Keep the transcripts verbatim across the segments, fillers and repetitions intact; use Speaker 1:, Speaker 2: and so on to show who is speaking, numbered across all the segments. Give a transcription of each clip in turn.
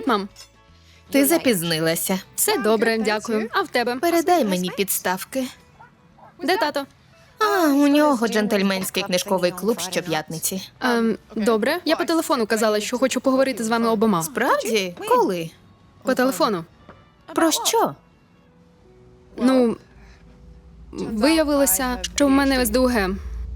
Speaker 1: мам.
Speaker 2: Ти запізнилася.
Speaker 1: Все добре, дякую. А в тебе?
Speaker 2: Передай мені підставки.
Speaker 1: Де тато?
Speaker 2: А, у нього джентльменський книжковий клуб щоп'ятниці.
Speaker 1: Ем, добре. Я по телефону казала, що хочу поговорити з вами обома.
Speaker 2: Справді? Коли?
Speaker 1: По телефону.
Speaker 2: Про що?
Speaker 1: Ну, виявилося, що в мене ес де у ге.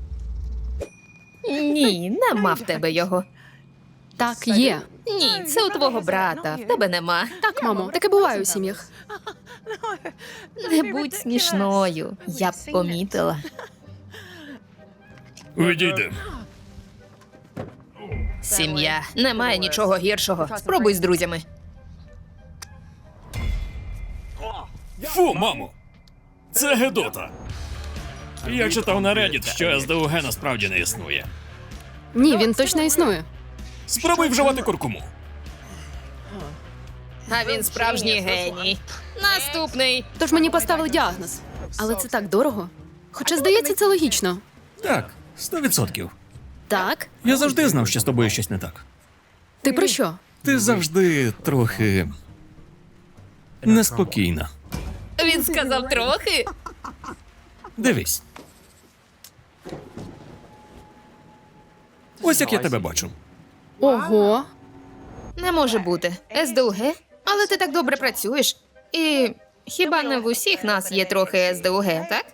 Speaker 2: Ні, нема в тебе його.
Speaker 1: Так, є.
Speaker 2: Ні, це у твого брата, в тебе нема.
Speaker 1: Так, мамо, таке буває у сім'ях.
Speaker 2: Не будь смішною, я б помітила.
Speaker 3: Відійди.
Speaker 2: Сім'я. Немає нічого гіршого. Спробуй з друзями.
Speaker 3: Фу, мамо! Це Гедота. Я читав на Reddit, що ес де у ге насправді не існує.
Speaker 1: Ні, він точно існує.
Speaker 3: Спробуй вживати куркуму.
Speaker 2: А він справжній геній. Наступний.
Speaker 1: Тож мені поставили діагноз. Але це так дорого. Хоча, здається, це логічно.
Speaker 3: Так, сто відсотків.
Speaker 1: Так?
Speaker 3: Я завжди знав, що з тобою щось не так.
Speaker 1: Ти про що?
Speaker 3: Ти завжди трохи неспокійна.
Speaker 2: Він сказав трохи.
Speaker 3: Дивись. Ось як я тебе бачу.
Speaker 1: Ого.
Speaker 2: Не може бути. ес де у ге? Але ти так добре працюєш. І хіба не в усіх нас є трохи ес де у ге, так?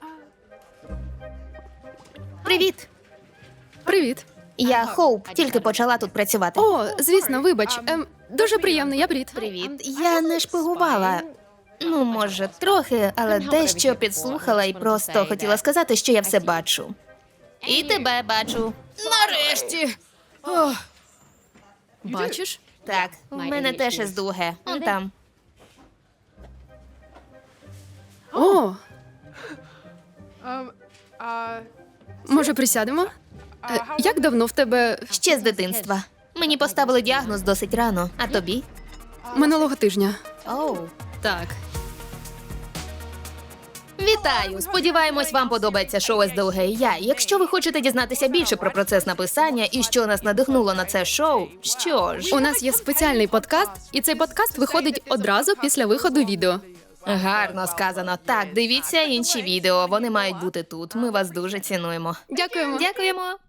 Speaker 2: Привіт.
Speaker 1: Привіт.
Speaker 2: Я Хоуп, тільки почала тут працювати.
Speaker 1: О, звісно, вибач. Ем, дуже приємно, я Брід.
Speaker 2: Привіт. Я не шпигувала. Ну, може, трохи, але дещо підслухала і просто хотіла сказати, що я все бачу. І тебе бачу. Нарешті. Ох,
Speaker 1: Бачиш?
Speaker 2: так, в мене теж ес де у ге. Он там.
Speaker 1: О, може, присядемо? Е, як давно в тебе?
Speaker 2: Ще з дитинства. Мені поставили діагноз досить рано. А тобі?
Speaker 1: Минулого тижня.
Speaker 2: Оу.
Speaker 1: Так.
Speaker 2: Вітаю! Сподіваємось, вам подобається шоу ес де у ге і я. Якщо ви хочете дізнатися більше про процес написання і що нас надихнуло на це шоу, що ж,
Speaker 1: У нас є спеціальний подкаст, і цей подкаст виходить одразу після виходу відео.
Speaker 2: гарно сказано. Так, дивіться інші відео. Вони мають бути тут. Ми вас дуже цінуємо.
Speaker 1: Дякуємо.
Speaker 2: Дякуємо.